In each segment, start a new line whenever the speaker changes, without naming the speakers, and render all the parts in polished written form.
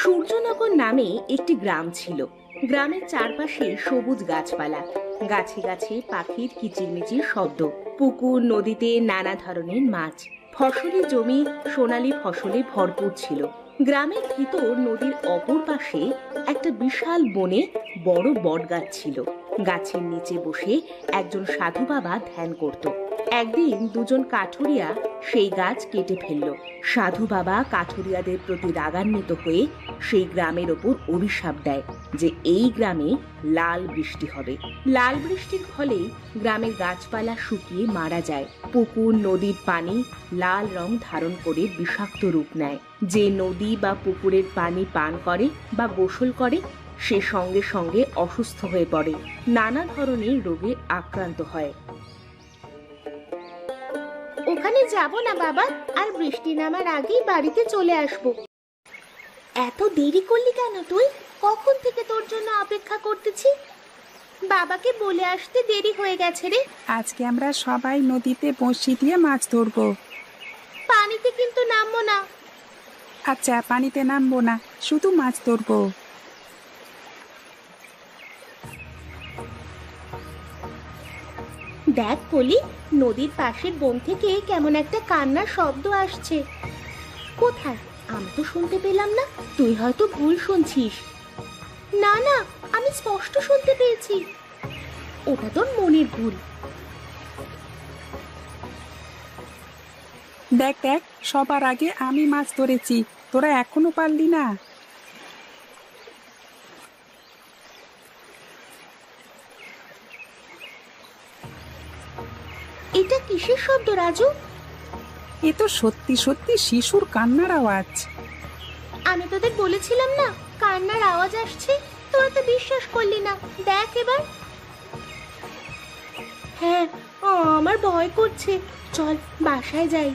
সূর্যনগর নামে একটি গ্রাম ছিল। গ্রামের চারপাশে সবুজ গাছপালা, গাছে গাছে পাখির কিচিরমিচির শব্দ, পুকুর নদীতে নানা ধরনের মাছ, ফসলি জমি সোনালী ফসলে ভরপুর ছিল। গ্রামের ভিতর নদীর অপর পাশে একটা বিশাল বনে বড় বটগাছ ছিল। গাছের নিচে বসে একজন সাধু বাবা ধ্যান করত। একদিন দুজন কাঠুরিয়া সেই গাছ কেটে ফেলল। সাধু বাবা কাঠুরিয়াদের প্রতি রাগান্বিত হয়ে সেই গ্রামের ওপর অভিশাপ দেয় যে এই গ্রামে লাল বৃষ্টি হবে। লাল বৃষ্টির ফলে গ্রামের গাছপালা শুকিয়ে মারা যায়। পুকুর নদীর পানি লাল রং ধারণ করে বিষাক্ত রূপ নেয়। যে নদী বা পুকুরের পানি পান করে বা গোসল করে সে সঙ্গে সঙ্গে অসুস্থ হয়ে পড়ে, নানা ধরনের রোগে আক্রান্ত হয়। ওখানে যাব না বাবা, আর বৃষ্টি নামার আগেই বাড়িতে চলে আসব। এত দেরি করলি কেন তুই? কখন থেকে তোর জন্য অপেক্ষা করতেছি। বাবাকে বলে আসতে দেরি হয়ে গেছে রে।
আজকে আমরা সবাই নদীতে বঁড়শি দিয়ে মাছ ধরবো।
পানিতে কিন্তু নামবো না।
আচ্ছা, পানিতে নামবো না, শুধু মাছ ধরবো।
দেখ কলি, নদীর পাশের বন থেকে কেমন একটা কান্নার শব্দ আসছে। কোথায়? আমি তো শুনতে পেলাম না। তুই হয়তো ভুল শুনছিস। না না, আমি স্পষ্ট শুনতে পেয়েছি। ওটা তোর মনের ভুল।
দেখ দেখ, সবার আগে আমি মাছ ধরেছি, তোরা এখনো পারলি না।
এটা কিসের শব্দ রাজু?
এ তো সত্যি সত্যি শিশুর কান্নার আওয়াজ।
আমি তোদের বলেছিলাম না কান্নার আওয়াজ আসছে, তোরা তো বিশ্বাস করলি না। দেখ এবার। হ্যাঁ, আমার ভয় করছে। চল বাসায় যাই।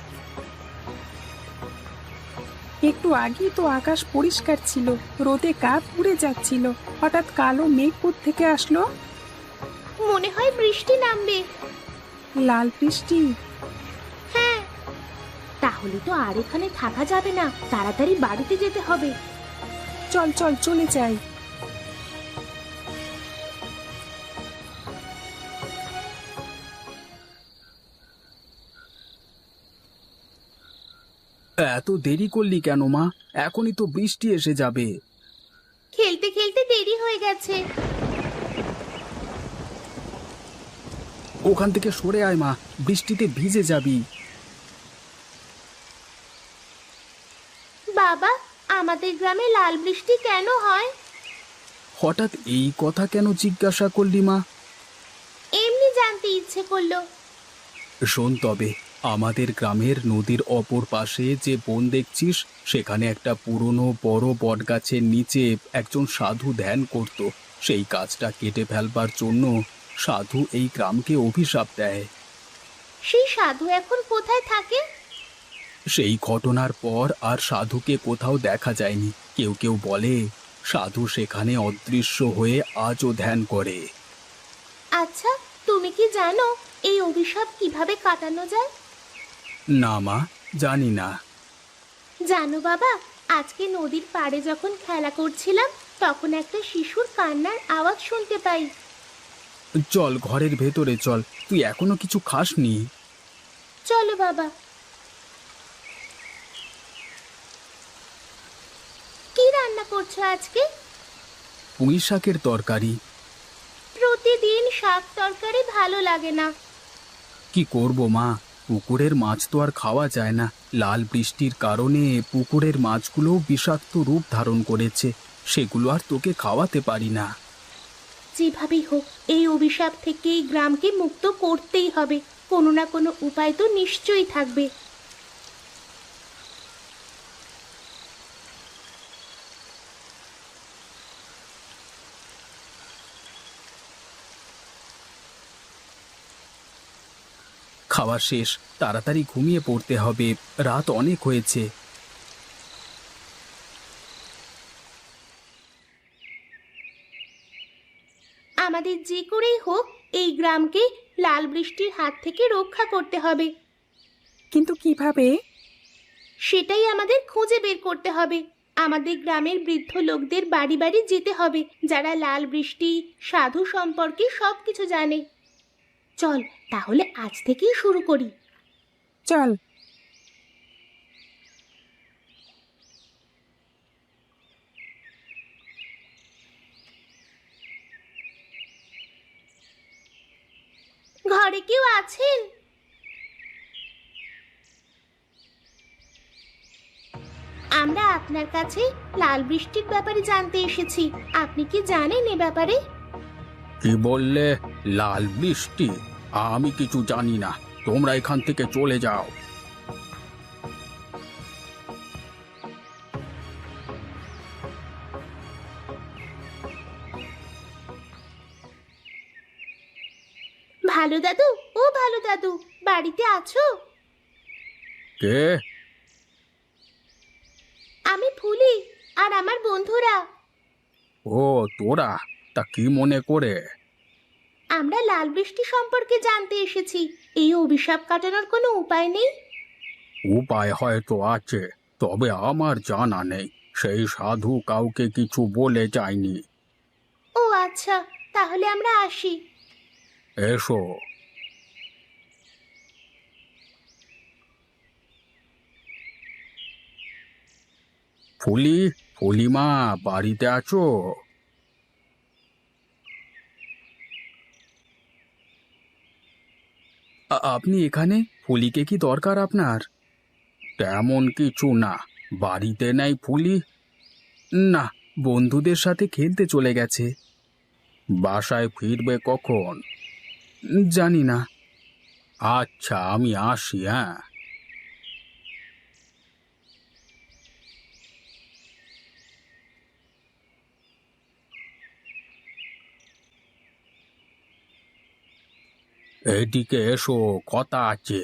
একটু আগেই তো আকাশ পরিষ্কার ছিল, রোদে গা পুড়ে যাচ্ছিল, হঠাৎ কালো মেঘ থেকে আসলো।
মনে হয় বৃষ্টি নামবে।
লাল বৃষ্টি?
হ্যাঁ। তাহলে তো আর এখানে থাকা যাবে না, তাড়াতাড়ি বাড়িতে যেতে হবে।
চল চল চলে যাই।
এত দেরি করলি কেন মা? এখনই তো বৃষ্টি এসে যাবে।
খেলতে খেলতে দেরি হয়ে গেছে।
ওখান থেকে সরে আয় মা, বৃষ্টিতে ভিজে যাবি।
বাবা, আমাদের গ্রামে লাল বৃষ্টি কেন হয়?
হঠাৎ এই কথা কেন জিজ্ঞাসা করলি মা?
এমনি জানতে ইচ্ছে করলো।
শোন তবে, আমাদের গ্রামের নদীর অপর পাশে যে বন দেখছিস, সেখানে একটা পুরনো বড় বটগাছের নিচে একজন সাধু ধ্যান করত। সেই গাছটা কেটে ফেলবার জন্য সাধু এই গ্রামকে অভিশাপ দেয়।
সেই সাধু এখন কোথায় থাকে?
সেই ঘটনার পর আর সাধুকে কোথাও দেখা যায়নি। কেউ কেউ বলে সাধু সেখানে অদৃশ্য হয়ে আজও ধ্যান করে।
আচ্ছা, তুমি কি জানো এই অভিশাপ কিভাবে কাটানো যায়?
না মা, জানি না।
জানো বাবা, আজকে নদীর পাড়ে যখন খেলা করছিলাম তখন একটা শিশুর কান্নার আওয়াজ শুনতে পাই।
চল ঘরের ভেতরে চল, তুই এখনো কিছু খাসনি।
চলো বাবা। কি রান্না করছো আজকে?
পুঁই শাকের তরকারি।
প্রতিদিন শাক তরকারি ভালো লাগে না।
কি করব মা, পুকুরের মাছ তো আর খাওয়া যায় না। লাল বৃষ্টির কারণে পুকুরের মাছগুলো বিষাক্ত রূপ ধারণ করেছে, সেগুলো আর তোকে খাওয়াতে পারি না।
যেভাবেই হোক এই অভিশাপ থেকে এই গ্রামকে মুক্ত করতেই হবে। কোনো না কোনো উপায় তো নিশ্চয়ই থাকবে।
খাওয়া শেষ, তাড়াতাড়ি ঘুমিয়ে পড়তে হবে, রাত অনেক হয়েছে।
আমাদের যে করেই হোক এই গ্রামকে লাল বৃষ্টির হাত থেকে রক্ষা করতে হবে।
কিন্তু কিভাবে?
সেটাই আমাদের খুঁজে বের করতে হবে। আমাদের গ্রামের বৃদ্ধ লোকদের বাড়ি বাড়ি যেতে হবে, যারা লাল বৃষ্টি সাধু সম্পর্কে সবকিছু জানে। চল তাহলে আজ থেকেই শুরু করি।
চল।
ঘরে কেউ আছেন? আমরা আপনার কাছে লাল বৃষ্টির ব্যাপারে জানতে এসেছি। আপনি কি জানেন এ ব্যাপারে?
কি বললে? লাল বৃষ্টি? আমি কিছু জানি না, তোমরা এখান থেকে চলে যাও।
ভালো দাদু, ও ভালো দাদু, বাড়িতে আছো?
কে?
আমি ফুলি আর আমার বন্ধুরা।
ও তোরা, তা কি মনে করে?
আমরা লাল বৃষ্টি সম্পর্কে জানতে এসেছি। এই অভিশাপ কাটানোর কোনো উপায় নেই?
উপায় হয়তো আছে, তবে আমার জানা নেই। সেই সাধু কাউকে কিছু বলে যায়নি।
ও আচ্ছা, তাহলে আমরা আসি।
এসো। ফুলি, ফুলিমা, বাড়িতে আছো? আপনি এখানে? ফুলিকে কি দরকার আপনার? তেমন কিছু না। বাড়িতে নাই ফুলি? না, বন্ধুদের সাথে খেলতে চলে গেছে। বাসায় ফিরবে কখন? জানি না। আচ্ছা, আমি আসি। হ্যাঁ। এদিকে এসো, কথা আছে।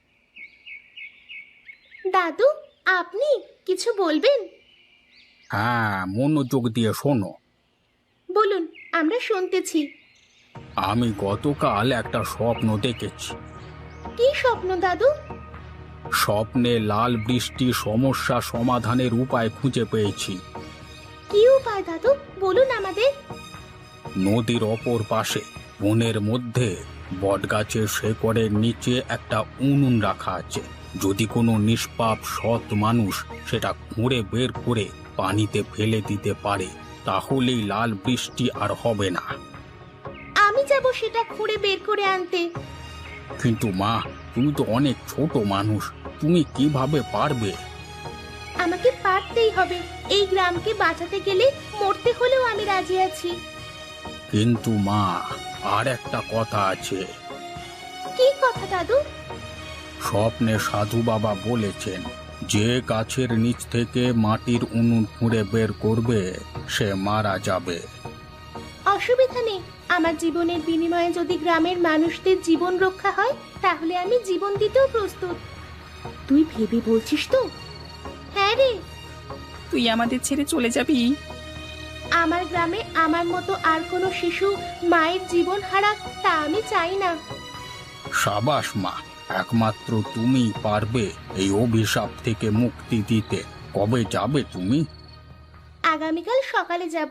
দাদু, আপনি কিছু বলবেন?
হ্যাঁ, মনোযোগ দিয়ে শোনো।
বলুন, আমরা শুনতেছি।
আমি গতকাল একটা স্বপ্ন দেখেছি।
কি স্বপ্ন দাদু?
স্বপ্নে লাল বৃষ্টি সমস্যা সমাধানের উপায় খুঁজে পেয়েছি।
কি উপায় দাদু, বলুন আমাদের।
নদীর অপর পাশে বনের মধ্যে বটগাছের শেকড়ের নিচে একটা উনুন রাখা আছে। যদি কোনো নিষ্পাপ সৎ মানুষ সেটা খুঁড়ে বের করে পানিতে ফেলে দিতে পারে, তাহলেই লাল বৃষ্টি আর হবে না।
আমি যাব সেটা খুঁড়ে বের করে আনতে।
কিন্তু মা, তুমি তো অনেক ছোট মানুষ, তুমি কিভাবে পারবে?
আমাকে পারতেই হবে। এই গ্রামকে বাঁচাতে গেলে মরতে হলেও আমি রাজি আছি।
কিন্তু মা, আর একটা কথা আছে।
কি কথা দাদু?
স্বপ্নে সাধু বাবা বলেছেন, যে গাছের নিচ থেকে মাটির উনুন খুঁড়ে বের করবে সে মারা যাবে।
অসুবিধা নেই, আমার জীবনের বিনিময়ে যদি গ্রামের মানুষদের জীবন রক্ষা হয়, তাহলে আমি জীবন দিতেও প্রস্তুত। তুই ভেবে বলছিস তো? হ্যাঁ রে।
তুই আমাদের ছেড়ে চলে যাবি?
আমার গ্রামে আমার মতো আর কোনো শিশু মায়ের জীবন হারাক, তা আমি চাই না।
সাবাস মা, একমাত্র তুমিই পারবে এই অভিশাপ থেকে মুক্তি দিতে। কবে যাবে তুমি?
আগামীকাল সকালে যাব।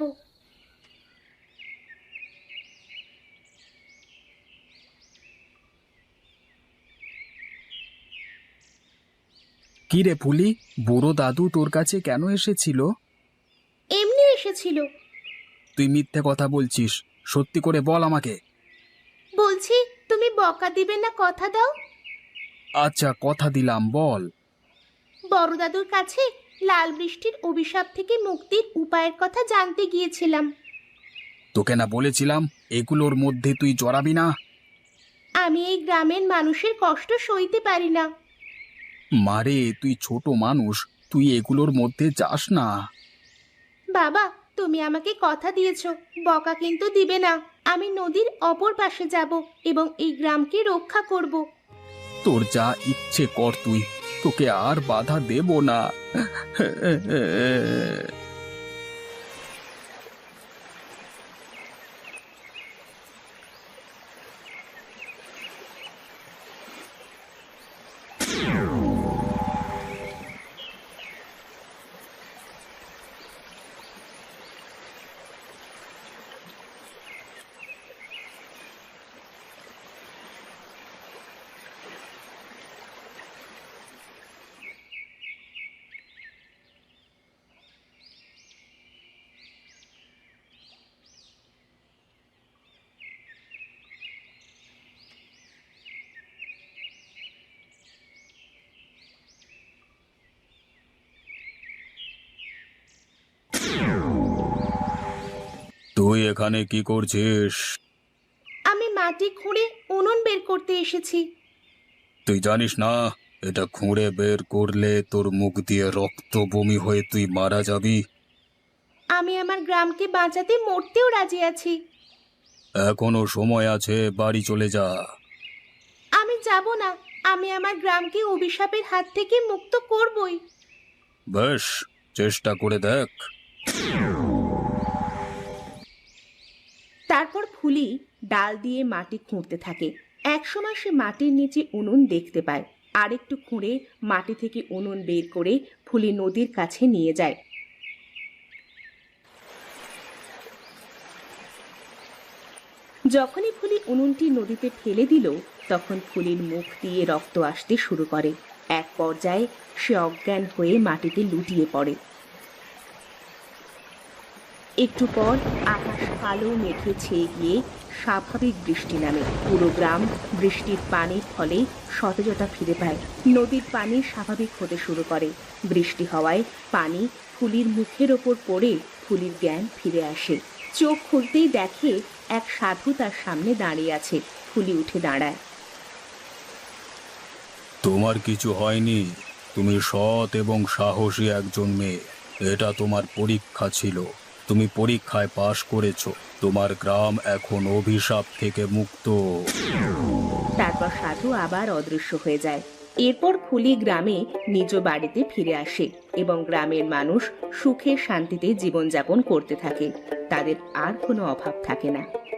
কি রে ফুলি, বুড়ো দাদু তোর কাছে কেন এসেছিল?
এমনি এসেছিল।
তুই মিথ্যে কথা বলছিস, সত্যি করে বল আমাকে।
বলছি, তুমি বকা দিবে না, কথা দাও।
আচ্ছা, কথা দিলাম, বল।
বড় দাদুর কাছে লাল বৃষ্টির অভিশাপ থেকে মুক্তির উপায়ের কথা জানতে গিয়েছিলাম।
তোকে না বলেছিলাম এগুলোর মধ্যে তুই জড়াবি না?
আমি এই গ্রামের মানুষের কষ্ট সইতে পারি না।
মারে, তুই ছোট মানুষ, তুই এগুলোর মধ্যে যাস না।
বাবা, তুমি আমাকে কথা দিয়েছো, বকা কিন্তু দিবে না। আমি নদীর অপর পাশে যাব এবং এই গ্রামকে রক্ষা করব।
তোর যা ইচ্ছে কর তুই, তোকে আর বাধা দেব না। তুই এখানে কি করছিস?
আমি মাটি খুঁড়ে উনুন বের করতে এসেছি।
তুই জানিস না এটা খুঁড়ে বের করলে তোর মুখ দিয়ে রক্ত বমি হয়ে তুই মারা যাবি।
আমি আমার গ্রামকে বাঁচাতে মরতেও রাজি আছি।
এখনো সময় আছে, বাড়ি চলে যা।
আমি যাব না, আমি আমার গ্রামকে অভিশাপের হাত থেকে মুক্ত করবই।
বেশ, চেষ্টা করে দেখ।
তারপর ফুলি ডাল দিয়ে মাটি খুঁড়তে থাকে। একসময় সে মাটির নিচে উনুন দেখতে পায়। আরেকটু খুঁড়ে মাটি থেকে উনুন বের করে ফুলি নদীর কাছে নিয়ে যায়। যখনই ফুলি উনুনটি নদীতে ফেলে দিল, তখন ফুলির মুখ দিয়ে রক্ত আসতে শুরু করে। এক পর্যায়ে সে অজ্ঞান হয়ে মাটিতে লুটিয়ে পড়ে। একটু পর আকাশ কালো মেঘে ছেয়ে গিয়ে স্বাভাবিক বৃষ্টি নামে। পুরো গ্রাম বৃষ্টির পানির ফলে সতেজতা ফিরে পায়। নদীর পানি স্বাভাবিক হতে শুরু করে। বৃষ্টি হওয়ায় পানি ফুলির মুখের ওপর পড়ে ফুলির জ্ঞান ফিরে আসে। চোখ খুলতেই দেখে এক সাধু তার সামনে দাঁড়িয়ে আছে। ফুলি উঠে দাঁড়ায়।
তোমার কিছু হয়নি, তুমি সৎ এবং সাহসী একজন মেয়ে। এটা তোমার পরীক্ষা ছিল, তুমি পরীক্ষায় পাশ করেছো। তোমার গ্রাম এখন অভিশাপ থেকে মুক্ত।
তারপর সাধু আবার অদৃশ্য হয়ে যায়। এরপর ফুলি গ্রামে নিজ বাড়িতে ফিরে আসে এবং গ্রামের মানুষ সুখে শান্তিতে জীবনযাপন করতে থাকে। তাদের আর কোনো অভাব থাকে না।